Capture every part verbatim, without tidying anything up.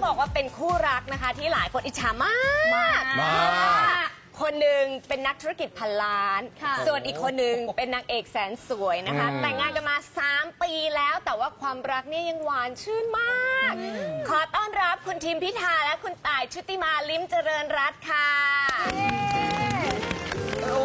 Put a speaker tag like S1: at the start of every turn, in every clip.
S1: บอกว่าเป็นคู่รักนะคะที่หลายคนอิจฉามาก
S2: มาก
S1: คนหนึ่งเป็นนักธุรกิจพันล้าน ส่วนอีกคนหนึ่งเป็นนางเอกแสนสวยนะคะ แต่งงานกันมาสามปีแล้วแต่ว่าความรักเนี่ยยังหวานชื่นมาก ขอต้อนรับคุณทิมพิธาและคุณต่ายชุติมาลิ้มเจริญรัตน์ค่ะ โอ้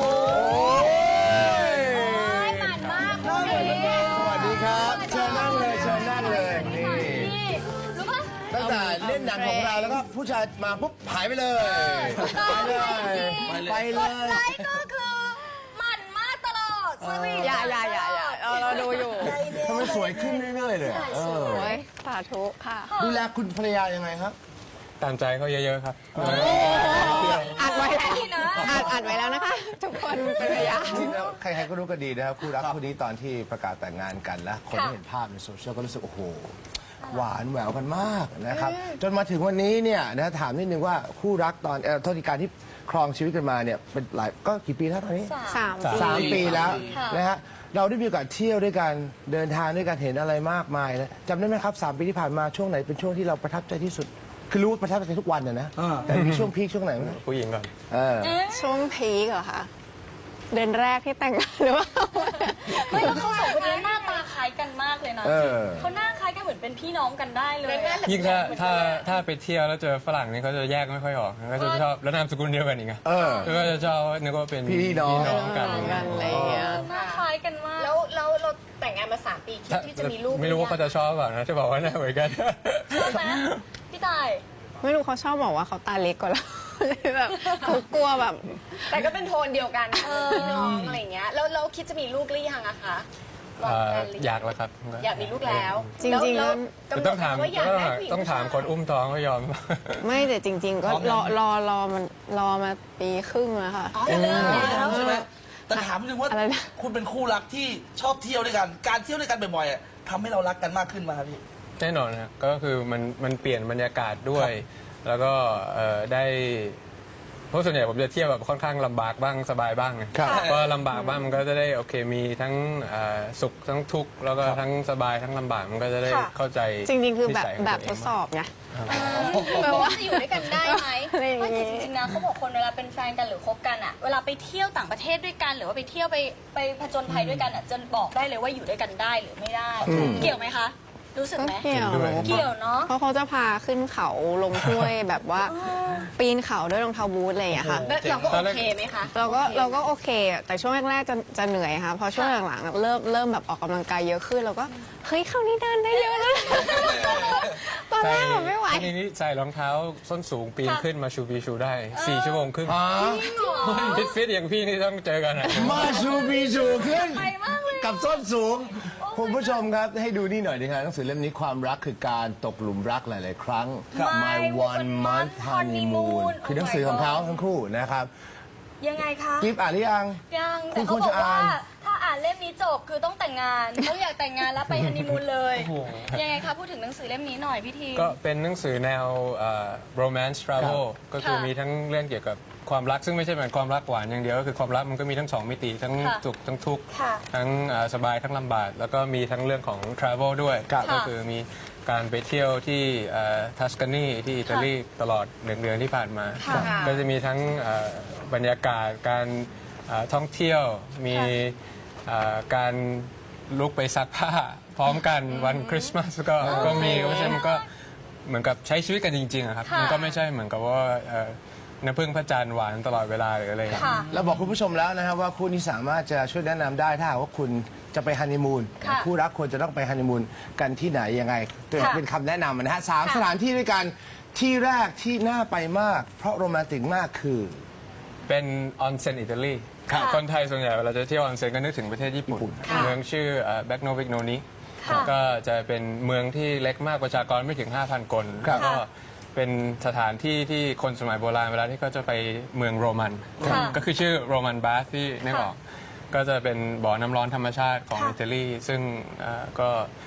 S1: ยหวานมากคุณทิม
S2: สวัสดีครับเชิญนั่งเลยเชิญนั่งเลยนี่ตั้งแต่เล่นหนังของเราแล้วก็ผู้ชายมาปุ๊บหายไปเลยไปเลยไปเลย
S1: ไลค์ก็คือหมั่นมากตลอดสวีท
S3: อย่าอย่าอย่าอย่าเราเราดูอยู่
S2: ทำไมสวยขึ้นเรื่อยๆเลยเออ
S3: โอ้ยสาธุค่ะ
S2: ดูแลคุณภรรยายังไงครับ
S4: ตามใจเขาเยอะๆครับ
S3: อัดไว้แล้วอัดอัดไว้แล้วนะคะ ทุกคนเป็นพยาน
S2: จริงๆแล้วใครๆก็รู้กันดีนะครับคู่รักคู่นี้ตอนที่ประกาศแต่งงานกันแล้วคนที่เห็นภาพในโซเชียลก็รู้สึกโอ้โหหวานแหววกันมากนะครับจนมาถึงวันนี้เนี่ยนะถามนิดนึงว่าคู่รักตอนเอ่อโทษทีการที่ครองชีวิตกันมาเนี่ยเป็นหลายก็กี่ปีแล้วตอนนี้
S3: สาม
S2: สามปีแล้วนะฮะเราได้มีโอกาสเที่ยวด้วยกันเดินทางด้วยกันเห็นอะไรมากมายนะจำได้ไหมครับสามปีที่ผ่านมาช่วงไหนเป็นช่วงที่เราประทับใจที่สุด คือรู้ว่าประทับใจทุกวันนะนะแต่มีช่วงพีคช่วงไหนไหม
S4: ผู้หญิงก่อน
S2: เออ
S3: ช่วงพีคเหรอคะเดือนแรกที่แต่งงานหรือว่า
S5: ไม่แล้วเขาสองคนนี้หน้าตาคล้ายกันมากเลยนะ
S2: เออ
S5: เขาหน้าคล้ายกันเหมือนเป็นพี่น้องกันได้เลย
S4: ยิ่งถ้าถ้าถ้าไปเที่ยวแล้วเจอฝรั่งนี่เขาจะแยกไม่ค่อยออกก็จะชอบแล้วนามสกุลเดียวกันอีกอะ
S2: เออ
S4: ก็จะชอบนึกว่าเป็น
S2: พี่น้อง
S4: กัน
S3: กันอะไรอย่างเงี้ย
S5: หน้าคล้ายกันมาก
S1: แล้วแล้วเราแต่งงานมาสามปีคิด
S4: ถ้า
S1: ที่จะมีลูก
S4: ไม่รู้ว่าเขาจะชอบเปล่านะจะบอกว่าหน้าเหมือนกัน
S5: ใช่ไหมพี่ตาย
S3: ไม่รู้เขาชอบบอกว่าเขาตาเล็กกว่าเรา เลยแบบเขากลัวแบบ
S1: แต่ก็เป็นโทนเดียวกันพี่น้องอะไรอย่างเงี้ยแล้วเราคิดจะมีลูกหรือยังอะคะวาง
S4: เอ่อ
S1: แผนหรือ
S4: อยากแล้วครับ
S1: อยากมีลูกแล้ว
S3: จริงๆ
S1: แล้ว
S4: แต่
S1: กำหน
S4: ต้อ
S1: ด
S4: งถาม
S1: ว่าอยากได้ผู้หญิง
S4: ต้องถามคนอุ้มท้องเขายอม
S3: ไม่แต่จริง ๆ ก็รอรอรอมันรอมาปีครึ่งแล้วค่ะ
S1: อ๋อเลิกแล้ว
S6: ใช่ไหมแต่ถามนึงว่า
S3: อะไรนะ
S6: คุณเป็นคู่รักที่ชอบเที่ยวด้วยกัน การเที่ยวด้วยกันบ่อยๆอะทำให้เรารักกันมากขึ้นมาครับพี่
S4: แน่นอนนะก็คือมันมันเปลี่ยนบรรยากาศด้วย แล้วก็เอ่อได้เพราะส่วนใหญ่ผมจะเที่ยวแบบค่อนข้างลำบากบ้างสบายบ้างไง
S2: ครับ
S4: เพราะลำบากบ้างมันก็จะได้โอเคมีทั้งเอ่อสุขทั้งทุกข์แล้วก็ทั้งสบายทั้งลำบากมันก็จะได้เข้าใจ
S3: จริง ๆ คือแบบ
S4: นิสัยขง
S3: แบบ
S4: ตัว
S3: ท
S4: เง
S3: ดสอบไง
S5: แปลว่าจะอยู่ด้วยกันได้ไหม
S3: อะไรอย่างงี้
S5: ไม่แต่จริงๆนะเขาบอกคนเวลาเป็นแฟนกันหรือคบกันอะเวลาไปเที่ยวต่างประเทศด้วยกัน หรือว่าไปเที่ยวไปไปผจญภัยด้วยกันอะจะบอกได้เลยว่าอยู่ด้วยกันได้หรือไม่ได้ เกี่ยวไหมคะ รู้สึก
S3: ก็
S5: ไหม
S3: เกี่ยว
S5: เกี่ยวเนาะ
S3: เพราะเขาจะพาขึ้นเขาลงห้วยแบบว่าปีนเขาด้วยรองเท้าบูทอะไรอย่างเงี้ยค่ะ
S1: แล้วเราก็โอเคไหมคะ
S3: เราก็เราก็โอเคอะแต่ช่วงแรกๆจะจะเหนื่อยค่ะพอช่วงหลังๆอะเริ่มเริ่มแบบออกกำลังกายเยอะขึ้นเราก็เฮ้ยคราวนี้เดินได้เยอะแล้วตอนแรกแบบไม่ไหว
S4: ทีนี้ใส่รองเท้าส้นสูงปีนขึ้นมาชูบีชูได้สี่ชั่วโมงครึ่ง
S2: อ๋อ
S4: ฟิตฟิตอย่างพี่นี่ต้องเจอกันอะ
S2: มาชูบีชูขึ้น
S5: ไปมากเลย
S2: กับส้นสูงคุณผู้ชมครับให้ดูนี่หน่อยดีครับหนังสือเล่มนี้ความรักคือการตกหลุมรักหลาย ๆ ครั้ง My One Month Honeymoon คือหนังสือของเขาทั้งคู่นะครับ
S5: ยังไงคะ
S2: กิฟอ่านหรือยัง
S5: ยัง
S2: คุ
S5: แต่
S2: ณ
S5: เขา
S2: ควร
S5: บอ
S2: จะ
S5: กว่า
S2: อ่าน
S5: ถ้าอ่านเล่มนี้จบคือต้องแต่งงานเขาอยากแต่งงานแล้วไปฮันนีมูนเลยยังไงคะพูดถึงหนังสือเล่มนี้หน่อยพี่ที
S4: ก็เป็นหนังสือแนวเอ่อ romance travel ก็คือ
S5: ค่ะ
S4: มีทั้งเรื่องเกี่ยวกับความรักซึ่งไม่ใช่เหมือนความรักหวานอย่างเดียวก็คือความรักมันก็มีทั้งสองมิติทั้ง
S5: ค่ะ
S4: สุขทั้งทุกข์
S5: ค่ะ
S4: ทั้งเอ่อสบายทั้งลำบากแล้วก็มีทั้งเรื่องของ travel ด้วย
S2: ครับ
S4: ก็คือมีการไปเที่ยวที่ทัสกานีที่อิตาลีตลอดหนึ่งเดือนที่ผ่านมา
S5: ค่ะ
S4: ก็จะมีทั้งเอ่อบรรยากาศการเอ่อท่องเที่ยวมีเอ่อการลุกไปซักผ้าพร้อมกันวันคริสต์มาสก็ก็มีเพราะฉะนั้นมันก็เหมือนกับใช้ชีวิตกันจริงๆอะครับ
S5: ค่ะ
S4: มันก็ไม่ใช่เหมือนกับว่าเอ่อน้ำพึ่งพระจันทร์หวานตลอดเวลาหรืออะไรอย่างเงี้ย
S5: ค่ะ
S2: เราบอกคุณผู้ชมแล้วนะครับว่าคู่นี้สามารถจะช่วยแนะนำได้ถ้าหากว่าคุณจะไปฮันนีมูน
S5: ค่ะ
S2: คู่รักควรจะต้องไปฮันนีมูนกันที่ไหนยังไง
S5: ค่ะ
S2: เป็นคำแนะนำนะฮะสาม
S5: ค่ะ
S2: สถานที่ด้วยกันที่แรกที่น่าไปมาก เพราะโรแมนติกมากคือ
S4: เป็นออนเซ็นอิตาลี
S5: ค่ะ
S4: คนไทยส่วนใหญ่เวลาจะเที่ยวออนเซ็นก็นึกถึงประเทศญี่ปุ่น
S5: ค่ะ
S4: เมืองชื่อแบ็กโนวิกโนนิ
S5: ค่ะ
S4: ก็จะเป็นเมืองที่เล็กมากประชากรไม่ถึง ห้าพัน คน
S2: ครับ
S4: ก็เป็นสถานที่ที่คนสมัยโบราณเวลาที่เขาจะไปเมืองโรมัน
S5: ค่ะ
S4: ก็คือชื่อโรมันบาสที่นึกออกก็จะเป็นบ่อน้ำร้อนธรรมชาติของ
S5: ค่ะ
S4: อิตาลีซึ่งเอ่อก็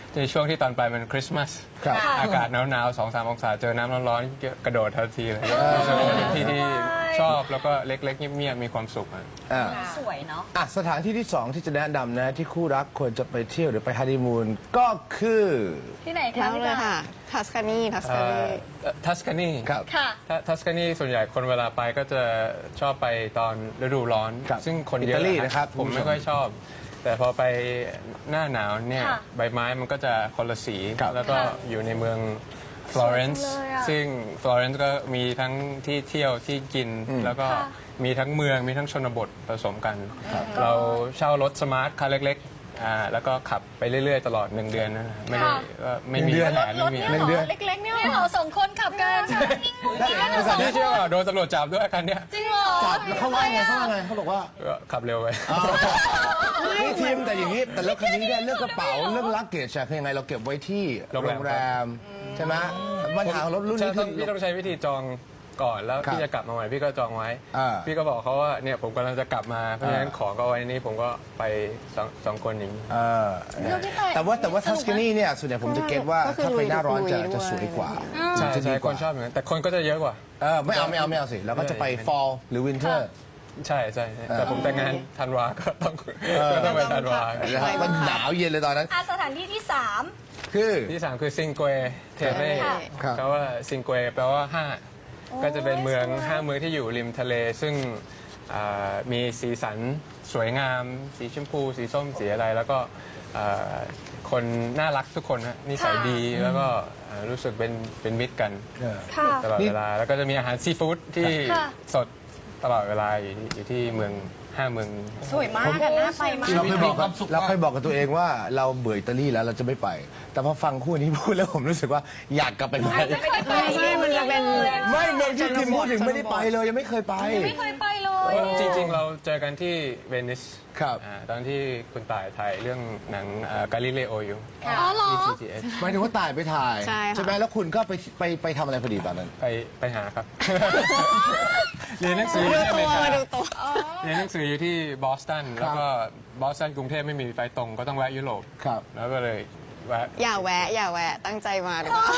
S4: ในช่วงที่ตอนไปมันคริสต์มาส
S2: ครับ
S4: อากาศหนาวๆสองสามองศาเจอน้ำร้อนๆกระโดดทันทีเลยรู้สึกว่าเป็นที่ที่ชอบแล้วก็เล็กๆเงียบๆมีความสุขอะ
S2: อ่า
S5: สวยเนาะ
S2: อ่ะสถานที่ที่สองที่จะแนะนำนะที่คู่รักควรจะไปเที่ยวหรือไปฮันนีมูนก็คือ
S5: ที่ไหนคะ
S3: แล้ว
S5: พี่
S3: เลย
S5: ดา
S3: ค่ะทัสคานีทัสคานี
S4: ทัสคานี
S2: ครับ
S5: ค่ะ
S4: ทัสคานีส่วนใหญ่คนเวลาไปก็จะชอบไปตอนฤดูร้อน
S2: ครับ
S4: ซึ่งคนเย
S2: อิ
S4: อะ
S2: ตาลีนะครับ
S4: ผม
S2: คุณผู้ชม
S4: ไม่ค่อยชอบ แต่พอไปหน้าหนาวเนี่ย
S5: ค่ะ
S4: ใบไม้มันก็จะคนละสี
S2: ครับ
S4: แล้วก็
S5: ค่ะ
S4: อยู่ในเมืองฟลอเรนซ์
S5: สวยจังเลยอะ
S4: ซึ่งฟลอเรนซ์ก็มีทั้งที่เที่ยวที่กิน แล้วก็
S5: ค่ะ
S4: มีทั้งเมืองมีทั้งชนบทผสมกัน เราเช่ารถสมาร์ทคันเล็กๆอ่าแล้วก็ขับไปเรื่อยๆ ตลอดหนึ่งเดือนนะไม่ได้ก็ไม่มี
S2: หนึ่งเดือน
S4: แผน
S5: ร
S4: ไม่
S5: ถ
S4: มี
S5: เนี่ย
S4: อะไร
S5: เหรอเล็กๆเนี่ยเหรอสองคนขับกันนิ่งงุ้งงิ้งกันสอง
S4: นี่
S5: ค
S4: เชื่อน ว่าโดนตำรวจจับด้วยคันเนี้ย
S5: จริงเหรอ
S2: จับแล้วเขาว่าไงเขาว่าไงเขาบอกว่า
S4: ก็ขับเร็วไป
S2: นี่ทีมแต่อย่างนี้แต่แล้วคันนี้เนี่ยเรื่องกระเป๋าเรื่องลักเกจอะคือยังไงเราเก็บไว้ที่
S4: โรงแรม
S2: โรงแรมใช่ไหมปัญหาของรถรุ่น
S4: ใช่
S2: นี้
S4: ต้
S2: คือ อง
S4: พี่ต้องใช้วิธีจองก่อนแล้ว
S2: ครับ
S4: พี่จะกลับมาใหม่พี่ก็จองไว้
S2: อ่า
S4: พี่ก็บอกเขาว่าเนี่ยผมกำลังจะกลับมาเพราะฉะนั้น
S2: อ่า
S4: ของก็ไว้นี่ผมก็ไปสองสองคนอย่างนี้
S2: เออ
S5: เราที่ไป
S2: แต่ว่าแต่ว่าทัสคานีเนี่ยส่วนใหญ่ผมจะเก็ตว่า
S3: ก็คือ
S2: ถ้าไปหน้าร้อนจะ
S3: ลุยๆด้วย
S2: จะสวยกว่า
S4: ใช่
S2: จะดี
S4: ใช่
S2: ก
S4: ค
S2: ว่าน
S4: ชอบอย่างนั้นแต่คนก็จะเยอะกว่า
S2: เออไม่เอาไม่เอาไม่เอาสิเราก็จะไป fall หรือ winter
S4: ใช่ใช่ใช่แต่ผมแต่งงานธันวาก็ต้องก็ต้องไปธันวา
S2: นะครับมันหนาวเย็นเลยตอนนั้น
S5: อ่ะสถานที่ที่สาม
S2: คือ
S4: ที่สามคือซิงเกวเทเร่
S5: ค่ะ
S2: ครับ
S4: เพราะว่าซิงเกวแปลว่าห้าก็จะเป็นเมืองห้าเมืองที่อยู่ริมทะเล ซึ่งอ่ามีสีสันสวยงาม สีชมพู สีส้มสีอะไร แล้วก็อ่าคนน่ารักทุกคนฮะนิสัยดีแล้วก็อ่ารู้สึกเป็นเป็นมิตรกัน
S2: เออ
S5: ค่ะ
S4: ตลอด
S2: นี่
S4: เวลา แล้วก็จะมีอาหารซีฟู้ดที่
S5: ค่ะ
S4: สดตลอดเวลาอยู่ที่อยู่ที่เมืองห้าเมืองนี้
S5: สวยมากอะน่าไปมาก
S2: เราเคยบอก
S6: มีความสุขมาก
S2: เราเคยบอกกับตัวเองว่าเราเบื่ออิตาลีแล้วเราจะไม่ไป แต่พอฟังคู่นี้พูดแล้วผมรู้สึกว่าอยากกลับไปใหม่
S1: ไม่ได้ไป
S3: ไม่ใช่มันจะเป็น
S2: ไม่เมืองที่ทิมพูดถึงไม่ได้ไปเลยยังไม่เคยไป
S5: ไม่เคยไปเลย
S4: จริงๆ เราเจอกันที่เวนิส
S2: ครับ
S4: อ่าตอนที่คุณต่ายถ่ายเรื่องหนังกาลิเลโออยู่
S5: อ๋อเหรอ
S4: ที่ ซี จี เอส
S2: หมายถึงว่าตายไปถ่าย
S3: ใช่ค่ะ
S2: ไหมแล้วคุณก็ไปไปไปทำอะไรพอดีตอนนั้น
S4: ไปไปหาครับ เรียนหนังสืออ
S3: ดู
S4: ยู่ที่อ
S3: ตั
S4: เม
S3: ว
S4: ริกา
S3: มาดูตัว
S4: เรียนหนังสืออยู่ที่บอสตัน แล้วก็บอสตันกรุงเทพไม่มีไฟตรงก็ต้องแวะยุโรป
S2: ครับ
S4: แล้วก็เลยแวะ
S3: อย่าแวะ อย่าแวะ ตั้งใจมาดีกว่า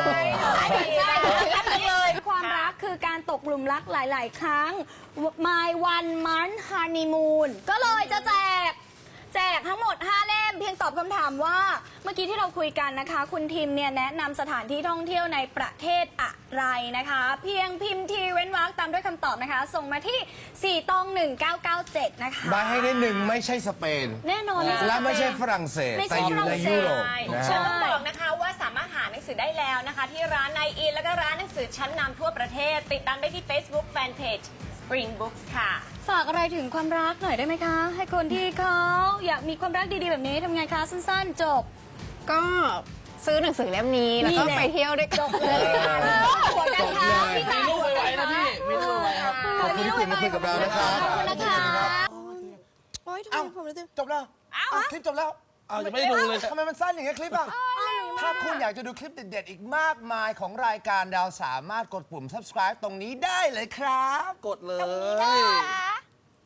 S5: เลยความรักคือการตกหลุมรักหลาย ๆ ครั้ง My One Month Honeymoon ก็เลยจะแจก แจกทั้งหมด ห้า เล่ม เพียงตอบคำถามว่า เมื่อกี้ที่เราคุยกันนะคะ คุณทิมเนี่ยแนะนำสถานที่ท่องเที่ยวในประเทศอะไรนะคะ เพียงพิมพ์ทีเว้นวรรคตามด้วยคำตอบนะคะ ส่งมาที่ สี่ตองหนึ่งเก้าเก้าเจ็ด นะคะ
S2: ใบให้ได้หนึ่งไม่ใช่สเปน
S5: แน่นอน
S2: และไม่ใช่ฝรั่งเศส
S5: ไม่ใช่
S2: แต่อยู่ในยุโรปนะ
S1: ฉัน
S2: ฮะ
S1: ต้องบอกนะคะว่าสามารถหาหนังสือได้แล้วนะคะ ที่ร้านไนอินแล้วก็ร้านหนังสือชั้นนำทั่วประเทศ ติดตามได้ที่ Facebook Fanpage Spring Books ค่ะ
S5: ฝากอะไรถึงความรักหน่อยได้ไหมคะ ให้คนที่เขาอยากมีความรักดี ๆ แบบนี้ทำไงคะสั้น ๆ จบ
S3: ก็ซื้อหนังสือเล่มนี้ แล้วก็
S5: นี่แหละ
S3: ไปเที่ยวด้วยกัน
S5: หัวกระทะพี่ตา
S6: มีลูกไวๆนะพี่มีลูกไวๆครับ
S2: ขอบคุณที่คุณมาคุยกับเรานะครับ
S5: ขอบคุณนะคะ
S2: เอ้าจบแล้วอ้าวคลิปจบแล้ว
S6: เอายังไม่ได้ดูเลย
S2: ทำไมมันสั้นอย่างเงี้ยคลิปอ่ะ ถ้าคุณอยากจะดูคลิปเด็ดๆ อีกมากมายของรายการดาวสามารถกดปุ่ม subscribe ตรงนี้ได้เลยครับ
S6: กดเลย